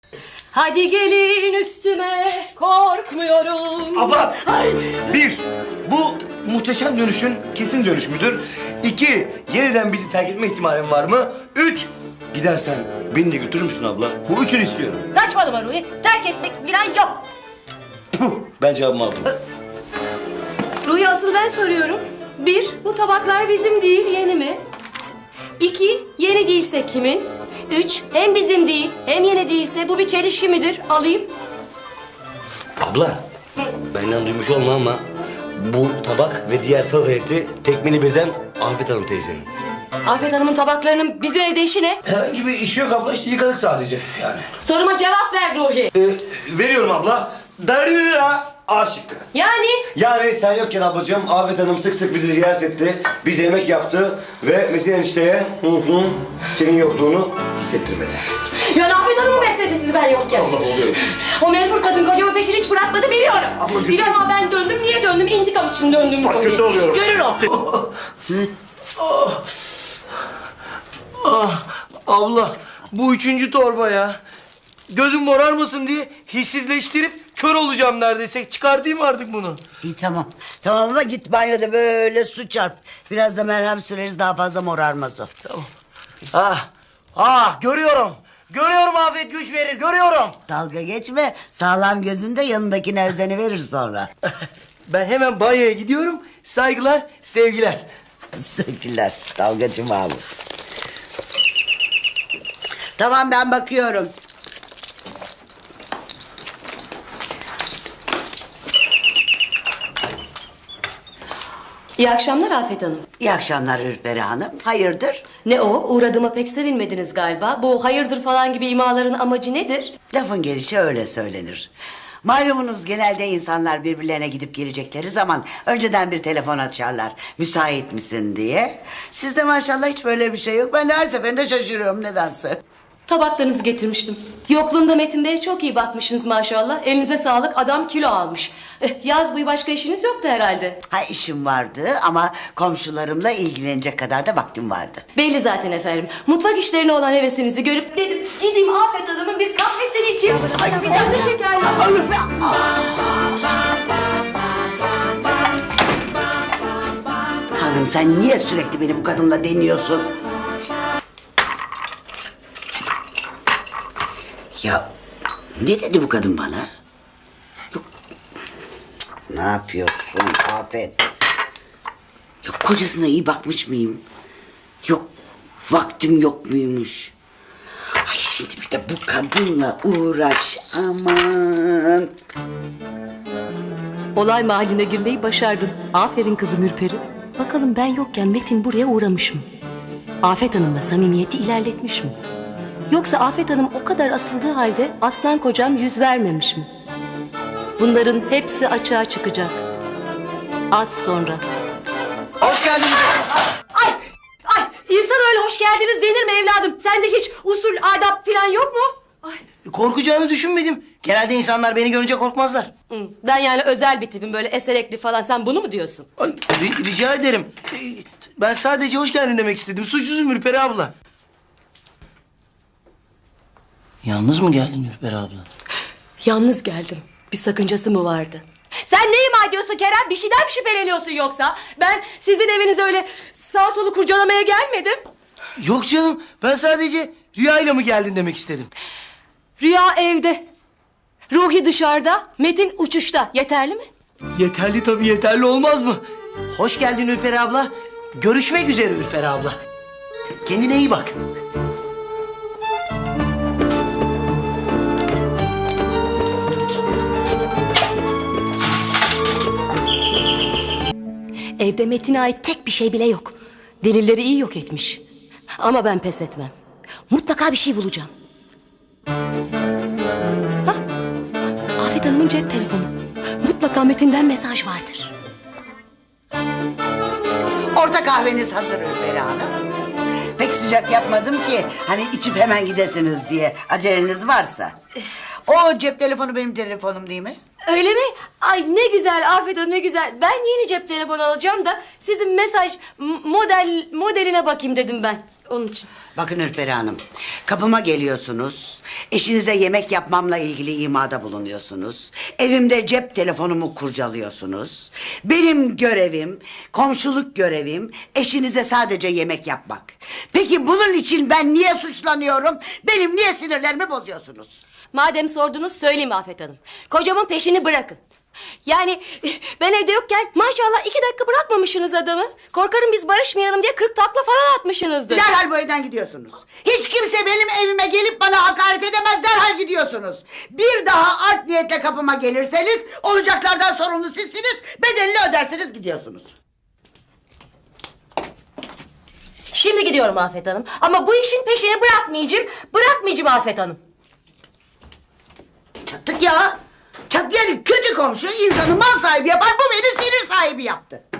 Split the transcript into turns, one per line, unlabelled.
Hadi gelin üstüme, korkmuyorum.
Abla! Bir, bu muhteşem dönüşün kesin dönüş müdür? İki, yeniden bizi terk etme ihtimalin var mı? Üç, gidersen beni de götürür müsün abla? Bu üçünü istiyorum.
Saçmalama Ruhi, terk etmek falan yok.
Puh, ben cevabımı aldım.
Ruhi asıl ben soruyorum. Bir, bu tabaklar bizim değil, yeni mi? İki, yeni değilse kimin? Üç, hem bizim değil, hem yeni değilse bu bir çelişki midir? Alayım.
Abla, benden duymuş olma ama bu tabak ve diğer salata eti tekmini birden Afet Hanım teyzenin.
Afet Hanım'ın tabaklarının bizim evde işi ne?
Herhangi bir işi yok abla, işte yıkadık sadece yani.
Soruma cevap ver Ruhi.
Veriyorum abla. Darira A şıkkı. Yani sen yokken ablacığım Afet Hanım sık sık bizi ziyaret etti. Bize yemek yaptı ve Metin enişteye senin yokluğunu hissettirmedi.
Yani Afet Hanım mı besledi sizi ben yokken?
Allah oluyorum.
O menfur kadın kocamın peşini hiç bırakmadı biliyorum.
Ama kötü-
Biliyorum ama ben döndüm. Niye döndüm? İntikam için döndüm.
Bak,
Ruhi.
kötü oluyorum.
Görür o.
Abla bu üçüncü torba ya. Gözüm morarmasın diye hissizleştirip kör olacağım neredeyse. Çıkartayım artık bunu.
İyi tamam. Tamam ama git banyoda böyle su çarp. Biraz da merhem süreriz daha fazla morarmaz o.
Görüyorum. Görüyorum Afet güç verir görüyorum.
Dalga geçme. Sağlam gözünde yanındakine özeni verir sonra.
Ben hemen banyoya gidiyorum. Saygılar, sevgiler.
Sevgiler. Dalgacı Mahmut. Tamam ben bakıyorum.
İyi akşamlar Afet Hanım.
İyi akşamlar Ürperi Hanım. Hayırdır?
Ne o? Uğradığıma pek sevinmediniz galiba. Bu hayırdır falan gibi imaların amacı nedir?
Lafın gelişi öyle söylenir. Malumunuz genelde insanlar birbirlerine gidip gelecekleri zaman önceden bir telefon açarlar. Müsait misin diye. Sizde maşallah hiç böyle bir şey yok. Ben de her seferinde şaşırıyorum nedense.
Tabaklarınızı getirmiştim. Yokluğumda Metin Bey'e çok iyi bakmışsınız maşallah. Elinize sağlık, adam kilo almış. Yaz boyu başka işiniz yoktu herhalde.
Ha işim vardı ama komşularımla ilgilenecek kadar da vaktim vardı.
Belli zaten efendim. Mutfak işlerine olan hevesinizi görüp dedim gideyim Afet Hanım'ın bir kahvesini içeyim. Ay bir tatlı şekerli.
Hanım sen niye sürekli beni bu kadınla deniyorsun? Ya ne dedi bu kadın bana? Yok. Ne yapıyorsun Afet? Yok kocasına iyi bakmış mıyım? Yok vaktim yok muymuş? Ay şimdi bir de bu kadınla uğraş aman.
Olay mahalline girmeyi başardın. Aferin kızım Ürperi. Bakalım ben yokken Metin buraya uğramış mı? Afet Hanım'la samimiyeti ilerletmiş mi? Yoksa Afet Hanım o kadar asıldığı halde aslan kocam yüz vermemiş mi? Bunların hepsi açığa çıkacak. Az sonra.
Hoş geldin.
Ay! Ay! İnsan öyle hoş geldiniz denir mi evladım? Sende hiç usul, adap falan yok mu? Ay.
Korkacağını düşünmedim. Genelde insanlar beni görünce korkmazlar.
Ben yani özel bir tipim böyle eserekli falan. Sen bunu mu diyorsun?
Ay, rica ederim. Ben sadece hoş geldin demek istedim. Suçsuzum Ürperi abla. Yalnız mı geldin Ürperi abla?
Yalnız geldim. Bir sakıncası mı vardı? Sen ne ima ediyorsun Kerem? Bir şeyden mi şüpheleniyorsun yoksa? Ben sizin evinize öyle sağ solu kurcalamaya gelmedim.
Yok canım. Ben sadece rüyayla mı geldin demek istedim.
Rüya evde. Ruhi dışarıda, Metin uçuşta. Yeterli mi?
Yeterli tabii yeterli olmaz mı? Hoş geldin Ürperi abla. Görüşmek üzere Ürperi abla. Kendine iyi bak.
Evde Metin'e ait tek bir şey bile yok. Delilleri iyi yok etmiş. Ama ben pes etmem. Mutlaka bir şey bulacağım. Hah, Afet Hanım'ın cep telefonu. Mutlaka Metin'den mesaj vardır.
Orta kahveniz hazır Ürperi Hanım. Pek sıcak yapmadım ki hani içip hemen gidesiniz diye aceleniz varsa. O cep telefonu benim telefonum değil mi?
Öyle mi? Ay ne güzel Afet Hanım ne güzel. Ben yeni cep telefonu alacağım da sizin mesaj modeline bakayım dedim ben. Onun için.
Bakın Ürperi Hanım, kapıma geliyorsunuz, eşinize yemek yapmamla ilgili imada bulunuyorsunuz, evimde cep telefonumu kurcalıyorsunuz. Benim görevim, komşuluk görevim, eşinize sadece yemek yapmak. Peki bunun için ben niye suçlanıyorum? Benim niye sinirlerimi bozuyorsunuz?
Madem sordunuz söyleyeyim Afet Hanım. Kocamın peşini bırakın. Yani ben evde yokken maşallah 2 dakika bırakmamışsınız adamı. Korkarım biz barışmayalım diye 40 takla falan atmışsınızdır.
Derhal bu evden gidiyorsunuz. Hiç kimse benim evime gelip bana hakaret edemez, derhal gidiyorsunuz. Bir daha art niyetle kapıma gelirseniz olacaklardan sorumlu sizsiniz, bedelini ödersiniz, gidiyorsunuz.
Şimdi gidiyorum Afet Hanım. Ama bu işin peşini bırakmayacağım. Bırakmayacağım Afet Hanım.
Çattık ya. Yani kötü komşu insanı mal sahibi yapar, bu beni sinir sahibi yaptı.